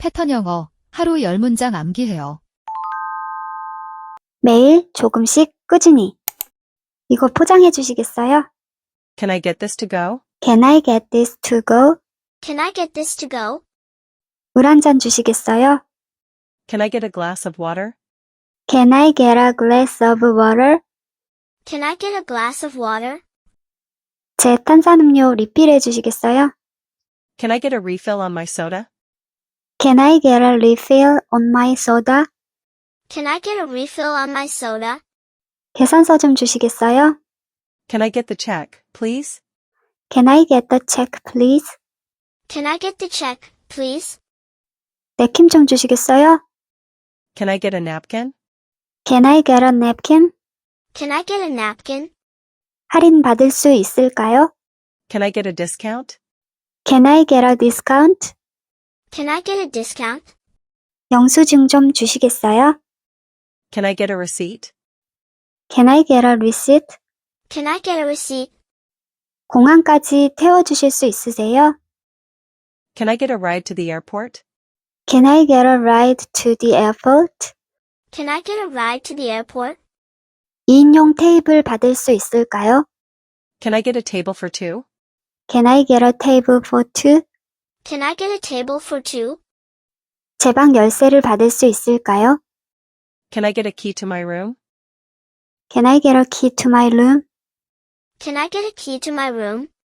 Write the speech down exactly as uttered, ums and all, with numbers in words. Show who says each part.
Speaker 1: 패턴 영어, 하루 열 문장 암기해요.
Speaker 2: 매일 조금씩 꾸준히. 이거 포장해 주시겠어요?
Speaker 3: Can I get this to go?
Speaker 2: Can I get this to go?
Speaker 4: Can I get this to go?
Speaker 2: 물 한 잔 주시겠어요?
Speaker 3: Can I get a glass of water?
Speaker 2: Can I get a glass of water?
Speaker 4: Can I get a glass of water?
Speaker 2: 제 탄산음료 리필해 주시겠어요?
Speaker 3: Can I get a refill on my soda?
Speaker 2: Can I get a refill on my soda?
Speaker 4: Can I get a refill on my soda?
Speaker 2: 계산서 좀 주시겠어요?
Speaker 3: Can I get the check, please?
Speaker 2: Can I get the check, please?
Speaker 4: Can I get the check, please?
Speaker 2: 냅킨 좀 주시겠어요?
Speaker 3: Can I get a napkin?
Speaker 2: Can I get a napkin?
Speaker 4: Can I get a napkin?
Speaker 2: 할인 받을 수 있을까요?
Speaker 3: Can I get a discount?
Speaker 2: Can I get a discount?
Speaker 4: Can I get a discount?
Speaker 2: 영수증 좀 주시겠어요?
Speaker 3: Can I get a receipt?
Speaker 2: Can I get a receipt?
Speaker 4: Can I get a receipt?
Speaker 2: 공항까지 태워주실 수 있으세요?
Speaker 3: Can I get a ride to the airport?
Speaker 2: Can I get a ride to the airport?
Speaker 4: Can I get a ride to the airport?
Speaker 2: 이인용 테이블 받을 수 있을까요?
Speaker 3: Can I get a table for two?
Speaker 2: Can I get a table for two?
Speaker 4: Can I get a table for two?
Speaker 2: 제 방 열쇠를 받을 수 있을까요?
Speaker 3: Can I get a key to my room?
Speaker 2: Can I get a key to my room?
Speaker 4: Can I get a key to my room?